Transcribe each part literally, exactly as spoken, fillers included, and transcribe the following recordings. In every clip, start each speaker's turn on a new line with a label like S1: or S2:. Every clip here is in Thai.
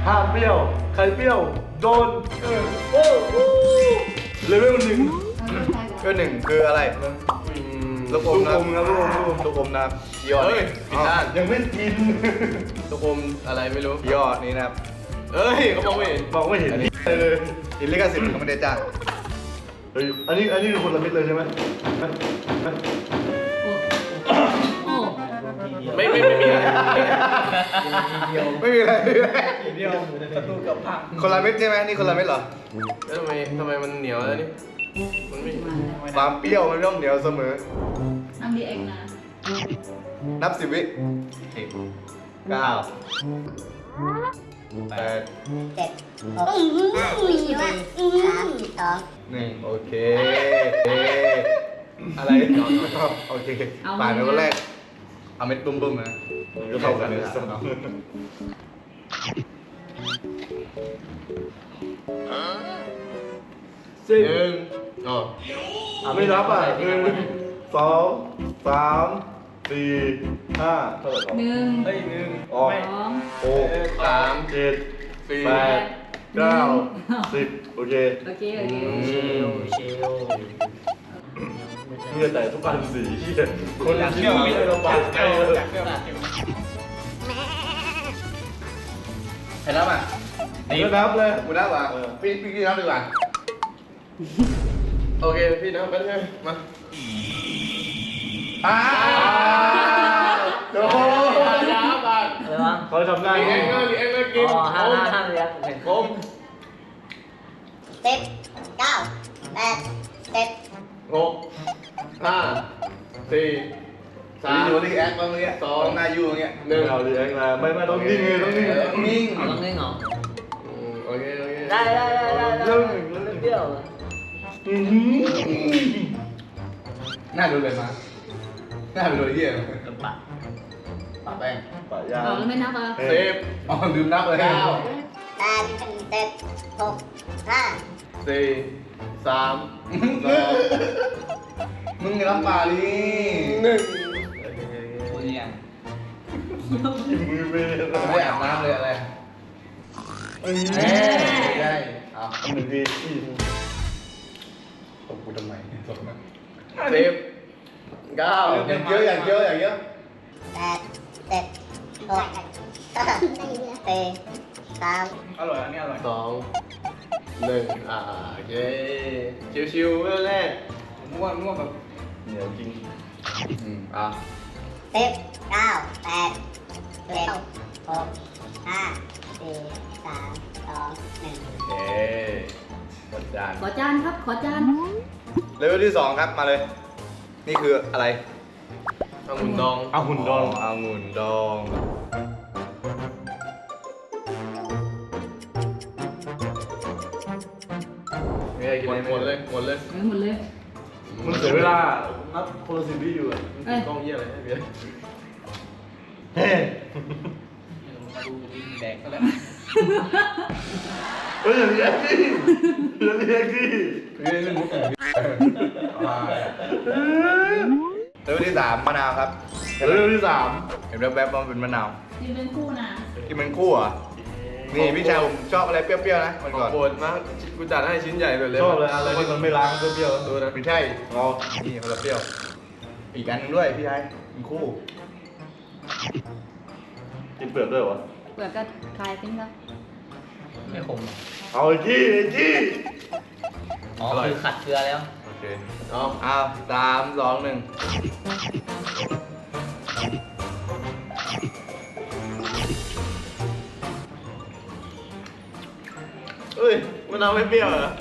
S1: ห้ามเปรี้ยวใครเปรี้ยวโดนเออโอ้โหเลเวลหนึ่ง
S2: ก็หนึ่งคืออะไรลูกอมนะ
S1: ลูกอมครับลูกอมลูกอม
S2: ลูกอมนะยอด
S3: เฮ้ยผิดด้าน
S1: ยังไม่กิน
S3: ลูกอมอะไรไม่รู้
S2: ยอดนี้นะครับ
S3: เอ้ยเขามองไม่เห็น
S1: บอกไม่เห็น
S2: อันนี้
S1: เลย
S2: อินลิขสิทธิ์ของมันเดจ้า
S1: เฮ้ยอันนี้อันนี้คือคนละเม็ดเลยใช่ไหม
S3: ไม่ไม่ไม่มีอะไร
S2: ไม่มีอะไร
S4: เดียวประตูกับผัก
S2: คนละเม็ดใช่ไหมนี่คนละเม็ดเหรอ
S3: แล้วทำไมทำไมมันเหนียวแล้วนี่มันไม่
S2: ความเปรี้ยวมันย่อมเหนียวเสมอ
S5: ทำดีเองนะ
S2: นับสิบวิสิบเก้าแปด
S6: เจ็ดหกห้าสี่สามสอง
S2: หนึ่งโอเคเออะไรโอเคผ่านไปคนแรกเอาเม็ดบุ้มๆนะก็เท่ากันเลยสมอง
S1: สิบ
S3: หนึ่งอ๋อ
S1: ไม่รับอ่ะหนึ่งสองสามสี่ห้าเท่าไหร่
S5: หนึ่ง
S4: เฮ้ยหนึ่ง
S1: ออก
S5: สอง
S1: หก
S3: สาม
S1: เจ็ด
S3: สี่
S1: แปดเก้าสิบโอเค
S5: โอเคโอเค
S4: เชลเชล
S1: เมื่อแต่ทุกอันสีเหี้ยคนละคิวมีอะไรลำบากใจเลย
S4: จากเปรี้ยวจากเปรี้ยว
S2: ใครรับอ่ะ
S1: เดี๋ยวนับเลย
S2: กูนับอ่ะพี่พี่พี่นับดีกว่า
S3: โอเคพี่นะไปเลยมา
S2: อ้าวโดน
S3: ยาบาน
S4: อะไรวะ
S1: เขาทำได้
S3: ลีเอ็งเงอร์ลีเอ็งเงอร์กิน
S4: อ๋อห้าห้าห้าเลยครับเห็น
S3: ผม
S6: สิบเก้าแปดเจ็ด
S3: หกห้าสี่สา
S2: สาม
S3: ม
S2: อยู่ที่แอคตรงนี้สองหน้ายูตรงเงี้ย
S3: หนึ่ง
S1: เอาดีเอ็กซ์มาไม่ไม่ต้องนิ่งเลยต้องนิ่ง
S2: ต้องนิ่ง
S4: เอาต้องเล่นเหรอ
S3: อืมโอเคโอเค
S4: ได้ได้ได้ได้ได้เล่นเปรี้ยว
S1: อื้อหือ
S2: หน้าดูเลยมาหน้าดูเลยเยี่ยม
S4: กระปะ
S2: ปะแป้ง
S1: ปะยา
S5: เอาแล้วไม่นับอ่ะ
S3: สิบ
S2: อ๋อลืมนับเลย
S3: เก้า
S6: แปดเจ็ดหกห้า
S3: สี่สามสอง
S2: มึงจะรับปลาดิ
S3: หนึ่ง
S4: พูดยัง
S1: มือเมย์
S2: ไม่อาบน้ำเลยอะไร
S1: เอ้ย
S2: เอ้ยได้เอา
S1: หนึ่งทีอีก
S2: ตบกูทำไมตบนะ
S3: สิบเก้า
S2: อย่างเยอะอย่างเยอะอย่างเยอะ
S6: แปดเจ็ดหกห้าสี่สาม
S4: อร่อยอันนี้อร่อย
S3: สองหนึ่งอ่าโอเคชิวๆเรื่องแรก
S4: ม่วงม่วงแบบ
S1: เหนียวจริง
S2: อืมอ่ะ
S6: สิบเก้าแปดเจ็ดหกห้าสี่สามสองหนึ่ง
S2: โอเคกดจาน
S5: ขอจานครับขอจาน
S2: เลเวลที่สองครับมาเลย นี่คืออะไร
S3: องุ่นดอง
S1: เอาหุ่นดอง
S2: องุ่นดองไม่ได้กิน
S3: หมด
S2: ได้
S3: หมดเลยหมดเลย
S5: เออหมดเลย
S1: มันเสียเวลานับคนละสิบวิอยู่อ่ะ
S5: เอ้ย
S3: กล้องเยี่ยอะไรให้เบียร์
S1: เฮ้
S4: แดกก็แล้ว
S1: เฮ้ยอย่างนี้ดิอย่างนี้ดิ
S2: เรื่องนี้มุกเลเวลที่สามมะนาวครับ
S1: เรื่องที่สาม
S2: เห็นแวบๆว่ามันเป็นมะนาว
S5: กินเป็นคู่นะ
S2: ที่มันคู่เหรอ่ะนี่พี่ชายผมชอบอะไรเปรี้ยวๆนะมัน
S3: ขอ
S2: ก่อน
S3: โปรดมากกูจัดให้ชิ้นใหญ่เลยเลย
S1: ชอบเลยอะไรที่มันไม่ล้างเปรี้ยวๆ
S3: ดูนะ
S2: ไม่ใช่
S1: เรา
S2: นี่คนละเปรี้ยว อีกอันหนึงด้วยพี่ชายมันคู่
S1: กินเปลือกด้วยวะ
S5: เปลือกก็คลายทิ้งแล้ว
S4: ไม่ขม
S1: เอาไอ้จี้ไอ้จี้
S4: อ๋อคือขัดเกลือแล้ว
S2: โอเค
S3: เอา
S2: อ้าวสามสองหนึ่ง
S3: เอ้ยมะนาวไม่เปรี้ยวเหรอ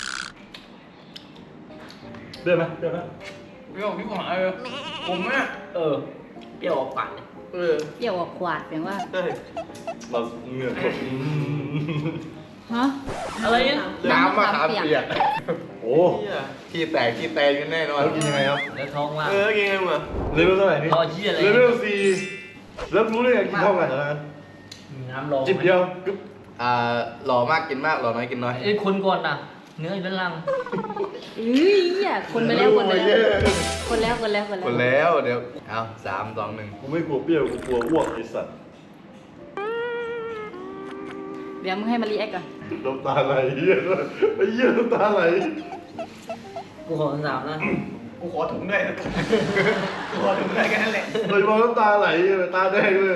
S1: เดือดไหมเดือดไหม
S4: เปรี้ยวพี่หายเลยผมแม่เออเปรี้ยวออกปากเลย
S3: เออ
S5: เปรี้ยวออกขวดแปลว่า
S3: ใช่
S1: เราเหงื่อตก
S5: ฮะ
S4: อะไรเนี่ย
S2: น้ำมะขามเปียก
S1: โอ้
S3: เหี้ย
S2: ขี้แตกขี้แตกกันแน่นอน
S1: แล้วกินยังไงครับ
S4: แล้วท้องว่าง
S3: เออกินไงมึงอ่ะ
S1: เลเวลเท่าไหร่นี่
S4: รอเหี้ยอะไร
S1: เลเวลสี่แล้วรู้ได้ไงกินเท่ากันเหรอ
S4: น้ำร้อน
S1: จิบเดียวกึ๊บ
S2: อ่าหล่อมากกินมากหล่อน้อยกินน้อย
S4: เอ้ยคนก่อนนะเนื้ออยู่ด้านล่าง
S5: เอ้ยอ่ะคนไปแล้วคนไปแล้วคนแล้วคนแล้วคน
S2: คน
S5: แล้ว
S2: แล้วเดี๋ยวเอาสามสองหนึ่ง
S1: กูไม่กลัวเปรี้ยวกูกลัวอ้วกไอ้สัตว์
S5: เดี๋ยวมึงให้มารีแอคก่อน
S1: น้ำตาไหลเหี้ยไอ้เหี้ยน้ำตาไหล
S4: กูขอสามนะกูขอถุงด้วยกูขอถุงด้วยแค่นั้นแหละ
S1: เลยมองน้ำตาไหลตาแดงเลย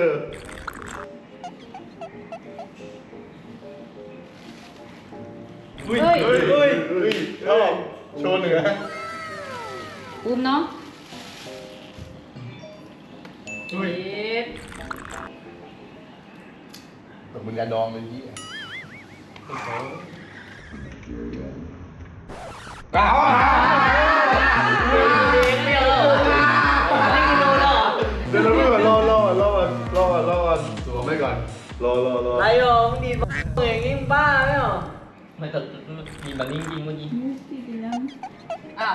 S5: เฮ้ย
S2: เฮ้ยเฮ้ยเฮ้ยชอบโชว์เหนือ
S5: อุ้มเนาะ
S4: เฮ้ย
S5: เย็ด
S2: แบบมึงยาดองเลยยี่
S4: อ้าวไม่เอาหรอไม่กินโดนหรอ
S1: เดี๋ยวเราไม่ก่อนรอรอรอก่อนรอก่อนรอก่อน
S2: ตัวไม่ก่อน
S1: รอรอรอ
S4: ไรหรอมึงดีบ้าอย่างงี้มึงบ้าไหมหรอไม่แต่ดีแบบนี้จริงเมื่อกี้
S5: อ้าว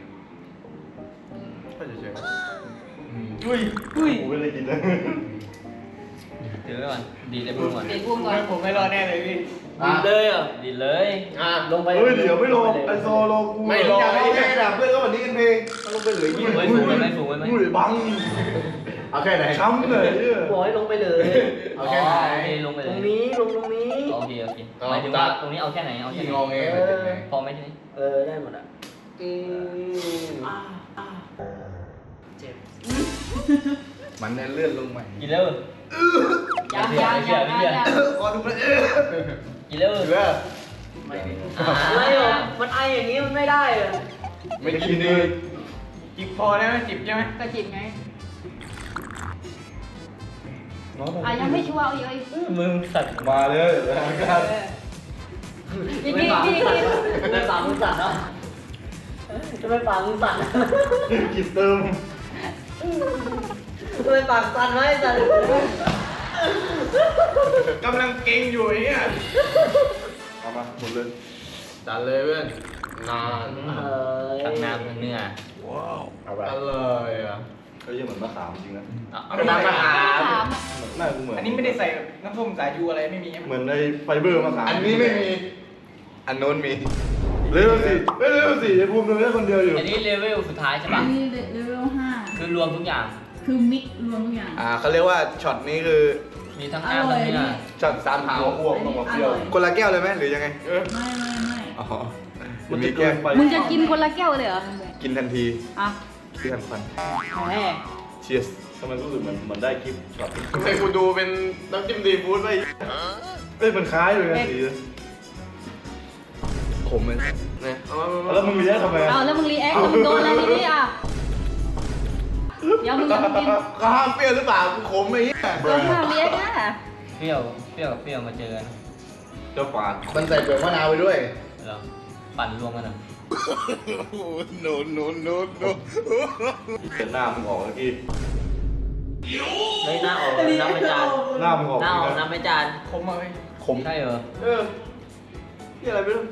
S2: ก็เฉย
S4: อุ้ย
S5: อุ้ย
S1: กูไม่ได้กินนะ
S4: ถือไว้ก่อนดีเลยพูดก่อน
S5: เด็กอุ้มก่อน
S4: ผมไม่รอแน่เลยพี่ดีเลยอ่ะดีเลย
S3: อ่ะ
S4: ลงไป
S1: เฮ้ยเดี๋ยวไม่รอไอโซรอกู
S3: ไม่รอ
S2: อยากให้แค่ด่าเพื่อนก็วันนี้กันเพลงต้องลงไปเหลือยี่
S4: ไว้สูงไว้ไหมสูงไว้ไหม
S1: กูเลยบัง
S2: เอาแค่ไหน
S1: ช้ำเลยเนี่ย
S4: บอกให้ลงไปเลย
S2: เอาแค่ไหน
S4: ลงไปเลยตรงนี้ลงตรงนี้โอเคโอเคหมายถึงว่าตรงนี้เอาแค่ไหนเอาแค่
S2: ยี่
S4: ไหน
S2: งอเงย
S4: พอไหมทีนี้เออได้หมดอ่ะอืมเจ็บ
S2: มันเนี่ยเลื่อนลงใหม่
S4: กินแล้ว
S5: ยังยังยังยังยัง
S2: ขอดูมันเออ
S4: กินแล้ว
S2: เหลือ
S4: อะไรหรอมันไออย่างนี้มันไม่ได้เหรอ
S2: ไม่กินเลย
S4: จิบพอได้ไหมจิบใช่ไหม
S5: ก็จิบไงอ่ะยังไม่ชัวร์เอาอีกเอาอีก
S4: มือสั่น
S1: มาเลยทางการ
S5: อีกอีกอีกอีก
S4: ไม่ปากมือสั่นเนาะจะไม่ปากมือสั่น
S1: กินเติม
S4: จะไม่ปากสั่นไหมสั่น
S3: กำลังเก่งอยู่ไอ้เนี่ย
S1: เอามาหมดเลย
S3: จัดเลยเพื่อนนาน
S4: ตักน้ำทั้งเนื้อ
S1: เอาไป
S3: อร่อยอ่ะ
S1: ก็ยังเหมือนมะขามจริงนะ
S4: เอาน้ำมาหา
S5: สาม
S1: หน้ากูเหมือน
S7: อันนี้ไม่ได้ใส่น้ำส้มสายชูอะไรไม่มี
S1: เหมือนในไฟเบอร์มะขาม
S2: อันนี้ไม่มี อันโน้นมี
S1: เร็วสิเร็วสิไอ้ภูมิเลยคนเดียวอยู่
S4: อันนี้เลเวลสุดท้ายใช่ป่ะ
S8: นี่เลเวลห้า
S4: คือรวมทุกอย่าง
S8: คือมิกรวมทุกอย่าง
S2: อ่าเขาเรียกว่าช็อตนี้คือ
S4: มีทั้งน้ำทั้งเนื้อ
S2: ช็อตสามหาว
S1: อ้วกต้องมาเปรี้ยว
S2: คนละแก้วเลยไหมหรือยังไง
S1: เออ
S8: ไม่ไม่ไม่
S2: อ๋อ
S1: มัน
S2: มี
S1: มี
S2: แก้
S1: แก้
S2: ว
S1: ไป
S5: มึงจะกินคนละแก้วเลยเหรอ
S2: กินทันที
S5: อ่ะ
S2: ที่ทันควัน
S5: แหม
S2: เชียร์
S1: ทำไมรู้สึกเหมือนเหมือนได้คลิปช็อต
S3: ให้กูดูเป็นน้ำจิ้มซีฟู้ดไป
S1: เอ้ยมันคล้ายเลยนะสี
S2: ขมเลย
S3: เนี่ยเอามามา
S1: แล้วมึงมีได้ทำไม
S5: เอาแล้วมึงรีแอคแล้วมึงโดนอะไรทีนี้อ่ะเดี๋ยวมึงจะมากิน
S2: ข้ามเปรี้ยวหรือเปล่ากูขมไอ้เหี้ย
S5: โดนข้าวรีแอคนะ
S4: เปรี้ยวเปรี้ยวกับเปรี้ยวมาเจอกัน
S1: เจ้าฝาด
S2: มันใส่เปลือกมะนาวไปด้วย
S4: เหรอปั่นรวมกันเหรอ
S2: โนโนโนโน
S1: เห็นหน้ามึงออกเมื่อกี้
S4: เฮ้ยหน้าออกน้ำไม่จาน
S1: หน้ามึงออก
S4: หน้าออกน้ำไม่จาน
S7: คมมาไหม
S2: ขม
S4: ใช่เหรอ
S3: เออนี่อะไรไม่รู้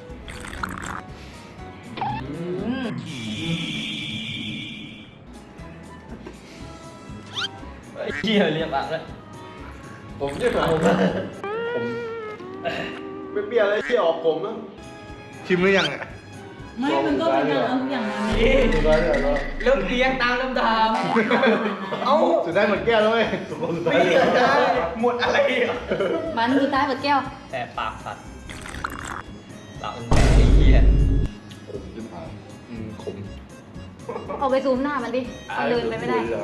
S4: ไอ้เหี้ยเรียบอ่ะแล้ว
S3: ผมจะถามผม
S2: ขม
S3: ไม่เปรี้ยวอะไรที่ออกผมอ่ะ
S2: ชิมหรือยังอ่ะ
S8: ไม่มันก็เป็นการเอาทุกอย่างมา
S1: สุดท้ายเนี่ยเรา
S7: เริ่มเรียงตามลำดับ
S3: เอ้า
S2: สุดท้ายหมดแก้วแล้วเว้ย
S1: สุดท้าย
S7: ไม่ได้หมดอะไรอ่ะ
S5: มันสุดท้ายหมดแก้ว
S4: แต่ปากสัตว์ปากมันแผลไอ้เหี้ย
S1: ขมจิ้มหาง
S2: อืมขม
S5: เอาไปซูมหน้ามันดิมันเดินไปไม่ได้
S1: แล้ว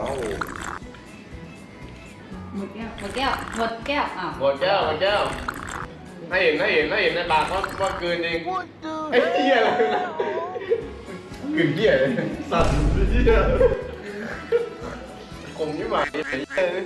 S8: หมดแก้ว
S5: หมดแก้วหมดแก้วอ้าว
S3: หมดแก้วหมดแก้วให้เห็นให้เห็นให้เห็นในปากว่าว่าเกินเองไอ้เหี้ยอะไรนะ
S2: กลิ่นเหี้ยเลย
S1: สั่นเหี้ย
S3: ขมยิ่งหวานไอ้เหี้ยเลย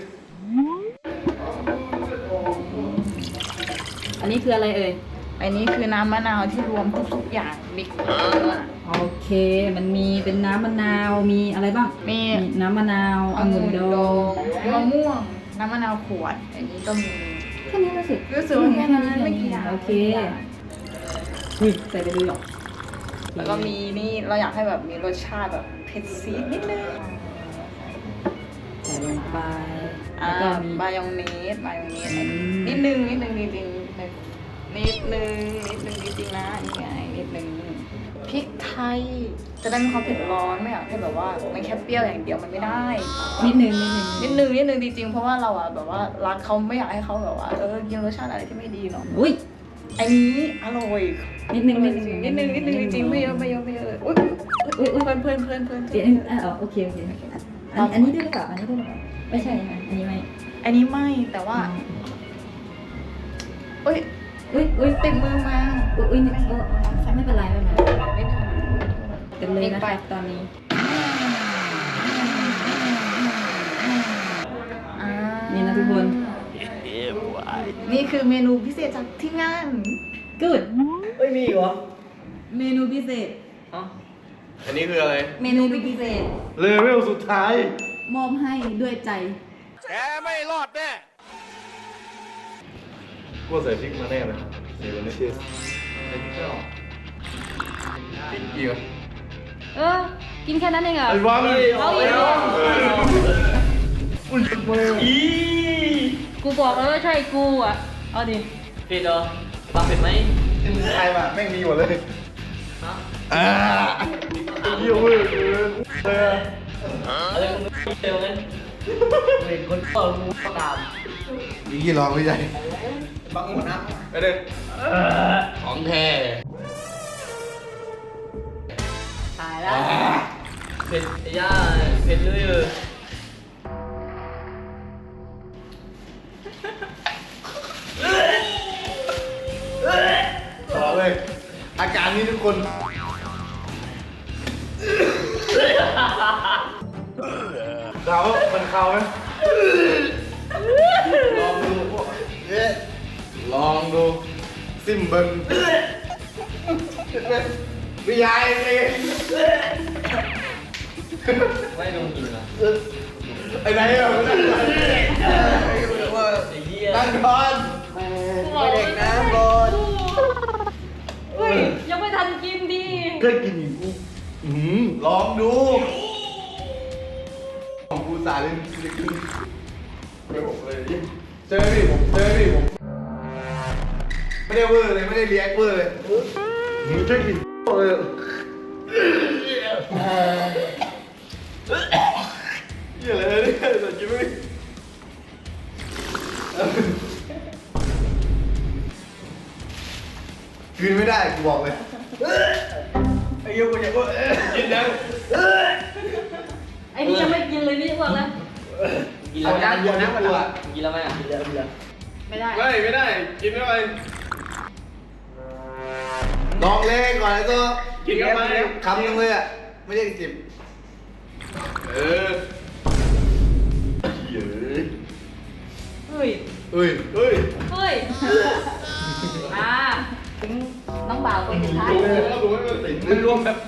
S5: อันนี้คืออะไรเอ่ย
S8: อันนี้คือน้ำมะนาวที่รวมทุกๆอย่างมิก
S5: โอเค มันมีเป็นน้ำมะนาว มีอะไรบ้าง
S8: มี
S5: มีน้ำมะนาวองุ่นดอง
S8: มะม่วง น้ำมะนาวขวด อันนี้ก็มี
S5: แค่นี้รู้สึก
S8: รู้สึกว่าแค่นั้นไม่กี่อย่าง
S5: โอเคอุ้ยใส่ไปเลยเหรอ
S8: แล้วก็มีนี่เราอยากให้แบบมีรสชาติแบบเผ็ดซีดนิดนึง
S5: ใส่ลงไป
S8: อ่า
S5: แล้วก็มี
S8: มายองเนสมายองเนส
S5: อืม
S8: นิดนึงนิดนึงจริงๆนิดนึงนิดนึงนิดนึงจริงๆนะนี่ไงนิดนึงพริกไทย จะได้มีความเผ็ดร้อนไม่อยากให้แบบว่ามันแค่เปรี้ยวอย่างเดียวมันไม่ได้
S5: นิดนึงนิดนึง
S8: นิดนึงนิดนึงจริงๆเพราะว่าเราอะแบบว่ารักเขาไม่อยากให้เขาแบบว่าเออกินรสชาติอะไรที่ไม่ดีเนาะ
S5: อุ้ย
S8: อันนี้อร่อย
S5: นิดนึงนิดนึง
S8: นิดนึงนิดนึงจริงๆไม่เยอะไม่เยอะไม่เยอะเลยอุ้ย
S5: อุ้ยอุ้ย
S8: เพื่อนเพื่อนเพื่อนเพื่อน
S5: เดี๋ยวอ่ะโอเคโอเคอันอันนี้ด้วยหรือเปล่าอันนี้ด้วยหรือเปล่าไม่ใช่ค่ะอันนี้ไม่
S8: อันนี้ไม่แต่ว่าอุ้ย
S5: อุ้ยอุ้ย
S8: ติดมือมา
S5: อุ้ยอุ้ยนี่เออไม่เป็นไรไม่เป็นไร
S8: ไม่ทัน
S5: กันเลยนะคะตอนนี้
S8: อ่า
S5: นี่นะทุกคน
S8: นี่คือเมนูพิเศษจากที่งาน
S5: good
S4: เฮ้ยมีอีกเหรอ
S5: เมนูพิเศษ
S4: อ๋อ
S3: อันนี้คืออะไร
S5: เมนูพิเศษ
S1: เลเวลสุดท้าย
S5: มอบให้ด้วยใจ
S1: กูใส่พริกมาแน่เลยสีวันนี้เชียร์
S3: อีกอีกเหรอ
S5: เออ กินแค่นั้นเองเหรอ
S1: ไอ้วางเลย
S5: เอาอีกเหรอ
S1: อุ้ยมือ
S5: กูบอกแล้วว่าใช่กูอ่ะ เอาดิ
S4: เผ็ดเหรอบังเผ็ดไหม
S1: กินไทยมาแม่งมีหมดเลย
S4: ฮะ
S1: อ่าเยี่ยมเว้ยเออเออ
S4: อะไรมึงไม่เจองั้นเห็นคนเปิดมูก็ตาม
S2: มีกี่ลองไม่ใหญ่
S7: บังหมดนะ
S3: ไปเลยของแท้
S8: ตายแล้ว
S4: เผ็ดไอ้ย่าเผ็ดเลยเออ
S2: บอกเลยอาการนี้ทุกคนเขามันเขาไหมลองดูเนี่ยลองดูซิมเบิงไม่ยายเลย
S4: ไม่ลงกินเหรอ
S2: ไอ้ไหนอ่ะนั่งก่อน
S4: ไอ้เหี้ย
S2: นั่งก่อน
S4: เด็กน้ำบน
S5: เฮ้ย ยังไม่ทันกินดี
S1: ก็กินอีกกู
S2: อืมลองดูของกูสาเลยจะกิน
S1: ไม่บอกเลย
S2: เจอพี่ผมเจอพี่ผมไม่ได้เวอร์เลยไม่ได้เรียกเวอร์เลย
S1: มึงจะกินเลย
S2: เหี้ยอะไรเนี่ยแต่กินไม่กินไม่ได้กูบอกเลย
S7: ไอ้เหี้ยกูอยากว่าเอ๊ะ
S3: กินยัง
S5: ไอ้นี่ยังไม่กินเลยนี่บอกแล้ว
S4: กินแล้ว
S2: อาการเดียวนะกูอ่ะ
S4: กินแล้วไหมอ่ะกินแล้วกินแล้ว
S8: ไม่ได้
S3: ไม่ไม่ได้ กินเข้าไป
S2: ลองเล่นก่อนไอ้ตัว
S3: กินเข้าไป
S2: คำนึงเลยอ่ะไม่ใช่จิบ
S3: เออ
S1: เยอะ
S5: เฮ้ย
S2: เอ้ย
S3: เฮ้ย
S5: เฮ้ย อ่า ถึงน้องบ่าวคนสุดท้าย
S3: ดูแล้วดูให้มันติดมันรวมแบบ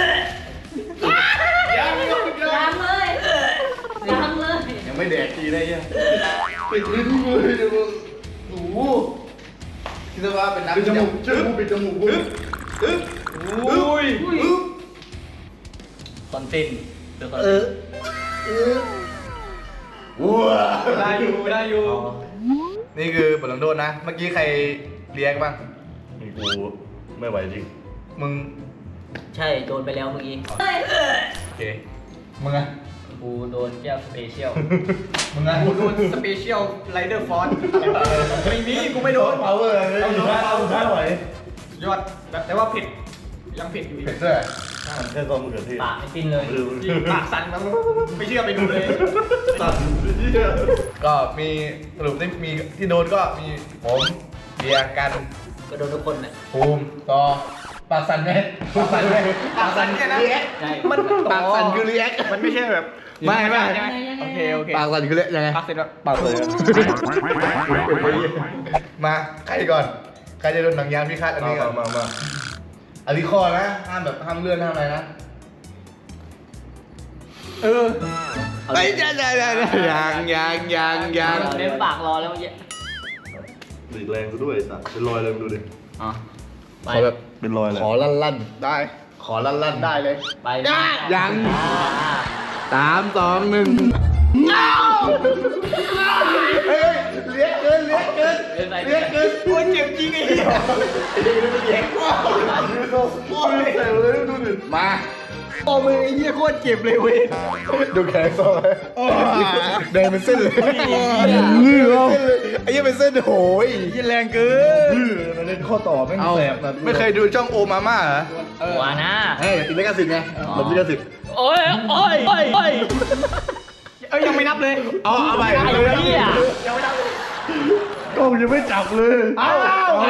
S3: ยังไม่ต้องยัง
S5: ยังเลยยังเลย
S2: ยังไม่แดกทีได้ยังปิดลิ้นเลยเดี๋ยวมึงโอ้โหคิดว่าเป็นน้ำ
S1: ปิดจมูกเชื่อกูปิดจมูกกู
S3: อึ๊บอุ้ย
S2: อึ๊บ
S4: คอนเทนต์เดี๋ยวคอน
S2: เอ
S4: เทน
S2: อ
S4: ต์
S2: เออว้า
S3: ได้อยู่ได้อยู่
S2: นี่คือบทลงโทษนะ เมื่อกี้ใครเรียกบ้าง
S1: กูไม่ไหวจริง
S2: มึง
S4: ใช่โดนไปแล้วเมื่อกี้
S5: เฮ้ย
S2: โอเค มึงอะ
S4: กูโดนแก้วสเปเชียล
S2: มึงอะ
S7: กูโดนสเปเชียลไรเดอร์ฟอนไม่มีกูไม่โดน
S2: พาวเวอร์เลยเอาท้าเอาท้าไหวย
S7: อดแต่ว่าเผ็ดยังเผ็ดอยู่อีก
S2: เผ็ดด้วย
S1: มันแค่ซอสมะเขือเทศ
S4: ปากไม่ฟินเลย
S1: เออ
S7: จริงปากสั่นมันไม่เชื่อไปดูเลย
S1: สั่นเหี้ย
S2: ก็มีสรุปที่มีที่โดนก็มีผมเบียร์กัน
S4: ก็โดนทุกคนน่ะ
S2: ภูมิต่อปากสั่นไหมปากสั่นไหม
S7: ปากสั่นเนี่ยนะ
S4: ใช่
S7: มัน
S2: ปากสั่นคือรีแอค
S7: มันไม่ใช่แบบ
S2: ไม่ไม่
S7: ใช่ไหมโอเคโอเค
S2: ปากสั่นคือเละยังไง
S7: ปากเสร็จแล้ว
S2: ปากเลยมาใครก่อนใครจะโดนหนังยางพิฆาตอัน
S1: มา
S2: นี้ก่อน
S1: มามา
S2: อันนี้ข้อนะห้ามแบบห้ามเลื่อนห้ามอะไรนะ
S7: เออ
S2: ไอ้ยยังยังยังยังยังยัง
S4: เล่นปากรอแล้วเมื่อกี้
S1: ดีดแรงซะด้วยไอ้สัตว์เป็นรอยเลยมึงดูดิ
S4: อ๋อ
S2: ขอแบบ
S1: เป็นรอยเลย
S2: ขอลั่นลั่นได้ ขอลั่นลั่นได้เลย
S4: ไป
S2: ยัง
S4: อ่า
S2: สามสองหนึ่งเฮ้ยเลี้ยงเกินเลี้ยงเกิน
S4: เล่นไป
S2: เลี้ยงเกิน
S7: โอ้ยเจ็บจริงไอ้เหี้ย
S2: ไอ้เด็กนี่มันเลี้ยงว้าวใส่เลยดูดิมา
S7: โอ้มือไอ้เหี้ยโคตรเจ็บเลยเว้ย
S2: ดูแขนซอยแดงเป็นเส้นเลยเลือดไอ้เหี้ยเป็นเส้นโหย
S7: ยี่แรงเกิน
S1: มันเล่นข้อต่อแม่ง
S2: เอา
S1: แสบนะ
S2: ไม่เคยดูช่องโอมาม่าเหรอ
S5: หัวนะ
S2: เฮ้ยติดลิขสิทธิ์ไงหลบลิขสิทธิ์
S5: โอ้ยโอ้ยโอ้ยโอ้ย
S7: เอ้ยยังไม่นับเลย
S2: เอาเอาไป
S5: ไอ้เหี้ย
S1: กล้องยังไม่จับเลย
S7: อ้าว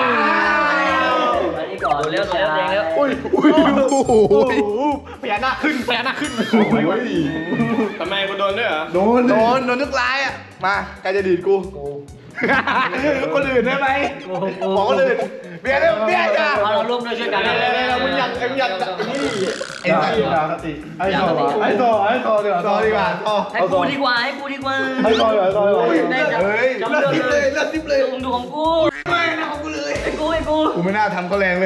S4: อันนี้ก่อน
S5: เร็วเร็วเร็วเร็ว
S2: อุ้ยอุ้ยโอ้โห
S7: พญานาคขึ้นพญานาคขึ้น
S3: ทำไมกูโดนด้วยเหรอ
S1: โดน
S2: โดนโดนนึกร้ายอ่ะมาใครจะดีดกูคนอื่นได้ไหมบอกคนอื่นเบียร์เร็วเบียร์จ้า
S5: เอาเราร่วมด้วยช่วยกัน
S7: เร็วๆๆมึงอยากมึงอยากนี่
S2: ไอ้สัตว์
S1: ด่าสติไอ้ต่อไอ้ต่อไอ้ต่อดีกว่า
S2: ต่อดีกว่าต่อ
S5: ให้กูดีกว่าให้กูดีกว่า
S1: ไอ้ต่อดีกว่าไอ้ต่อดีกว่า
S5: ได้จับ
S2: เฮ้ย
S5: จับ
S2: เลิก
S5: เรื่อง
S2: ทิปเลยเลิกทิปเลย
S5: มึงดูของกู
S2: ไม่นะของกูเลย
S5: ไอ้กูไอ้กู
S2: กูไม่น่าทำเขาแรงเลย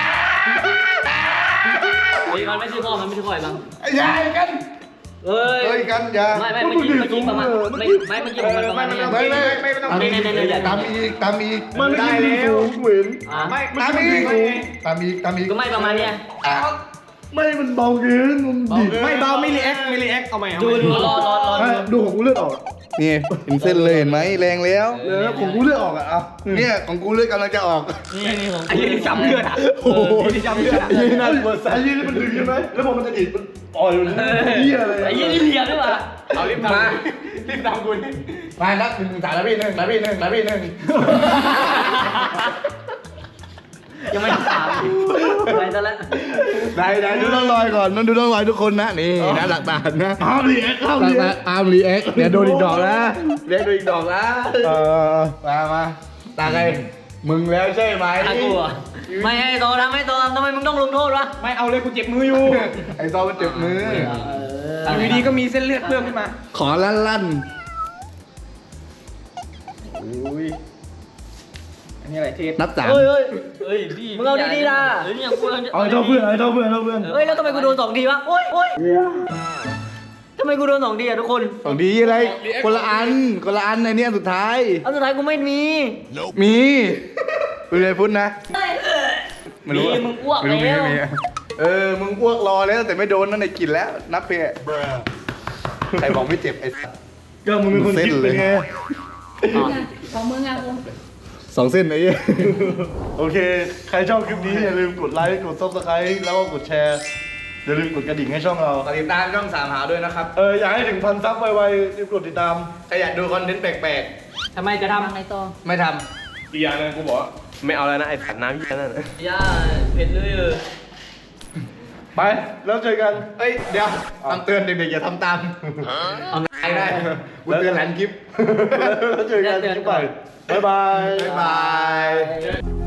S5: เฮ้ยมันไม่ใช่พ่อมันไม่ใช่พ่อไอ้บัง
S2: ไอ้ยายกัน
S5: เฮ้ย
S2: เฮ้ยกันอย่า
S5: ไม่ไม่เมื่อกี้เมื่อกี้ประมาณไม่ไม่เมื่อกี้มันประมาณนี้
S2: ไม่ไม่
S7: ไม่ไม่ต้อง
S2: ตามอีกตามอีกตามอีก
S1: มันไม่
S2: ได้
S1: ได้
S2: แล้
S1: แล้ว วเหมือน
S5: อ่ะ
S7: ไม่
S2: ตามอีกตามอีกตามอีก
S5: ก็ไม่ประมาณเนี้ย
S2: อ่ะ
S1: ไม่มันเบาเกินมันดิบ
S7: ไม่เบาไม่รีแอคไม่รีแอคเอาใหม่เอา
S5: ดู
S7: ใหม่
S5: ดูรอรอรอ
S1: ไม่ดูของกูเลือดออก
S2: นี่เห็นเส้นเลยเห็นไหมแรงแล้ว
S1: เออของกูเลือดออกอ่ะเอา
S2: เนี่ยของกูเลือดกำลังจะออก
S5: นี่นี่ของ
S7: ไอ้ยี่ที่จำเลือดอ่ะ
S1: โอ้โห
S7: ไอ้ที่จำเลือดอ่ะ
S1: ไอ้ยี่นั่นเปิดสายยี่นี่มันดึงใช่ไหมแล้วพอมันจะดิดมันอ่อยมันเหี้ยเลย
S5: ไอ้ยี่นี่เหลี่ยมด้วยว่ะ
S7: เอารีบทำรีบทำกูนี่
S2: มานับหนึ่งสามแล้วพี่หนึ่งแล้วพี่หนึ่งแล้วพี่หนึ่ง
S5: ยังไม่ถามไปซะแล้ว
S2: ได้ได้ดูต้องลอยก่อนต้องดูต้องลอยทุกคนนะนี่นะหลักฐานนะ
S1: ห้ามรีแอคห้าม
S2: หลั
S1: รี
S2: ก
S1: แอ
S2: ฐาน
S1: ค
S2: อาร์มรีแอคเดี๋ยวโดนอีกดอกนะเรียกโดนอีกดอกนะ
S1: เออ
S2: มามาตาใครมึงแล้วใช่ไหม
S5: ตากูอ่ะไม่ให้โตทำให้โตทำทำไมมึงต้องลงโทษวะ
S7: ไม่เอาเลยกูเจ็บมืออยู่
S2: ไอ้ซอมันเจ็บมือ
S7: อยู่ดีๆก็มีเส้นเลือดเพิ่มขึ้นมา
S2: ขอลั่นลั่น
S7: อุ้ยอันนี้อะไรเทป
S2: นับสาม
S5: เฮ้ยเฮ้ยเฮ้ยดีมึงเอาดีๆนะเฮ้ยเนี่ยกู
S1: เอาให้เท่าเพื่อนเอาให้เท่าเพื่อนเอาเท่าเพื่อน
S5: เฮ้ยแล้วทำไมกูโดนสองทีวะโอ้ยโอ้ยทำไมกูโดนสองทีอะทุกคน
S2: ของดีอะไรคนละอันคนละอันในนี้อันสุดท้าย
S5: อันสุดท้ายกูไม่มี
S2: มีเป็นไรพุ่นนะ
S5: มีมึงอ้วก
S2: ไม่รู้มี
S5: แล้ว
S2: ไม่มีเออมึงอ้วกรอแล้วแต่ไม่โดนนั่นในกินแล้วนับเพะใครบอกไม่เจ็บไอ้สัส
S1: ก็มึงเป็นคนคิดเป็นไง
S8: ของมึงอ่ะกู
S2: สองเส้นไอ้เหี้ย
S1: โอเค ใครชอบคลิปนี้อย่าลืมกดไลค์ กดซับสไครต์แล้วก็กดแชร์ อย่าลืมกดกระดิ่งให้ช่องเรา
S2: ฝากติดตามช่องสามหาด้วยนะครับ
S1: เออ อยากให้ถึงพันซับไวๆรีบกดติดตาม
S2: ใครอยากดูคอนเทนต์แปลก
S5: ทำไมจะทำ
S8: ทำไงต่อ
S2: ๆ ไม่ท
S3: อีกอย่างหนึงกูบอกว่าไม่เอาแล้วนะไอ้สัตว์น้ำยี่นั่นน่ะ
S5: ย่าเผ็ดเลยเออ
S1: ไป แล้วเจอกัน
S2: ำเอ้ยเดี๋ยวคำเตือนเด็กๆอย่าทำตามเอาไงได้กูเตือนหลังคลิป
S1: แล้วเจอกันคลิปใหม่บ๊ายบาย
S2: บ๊ายบาย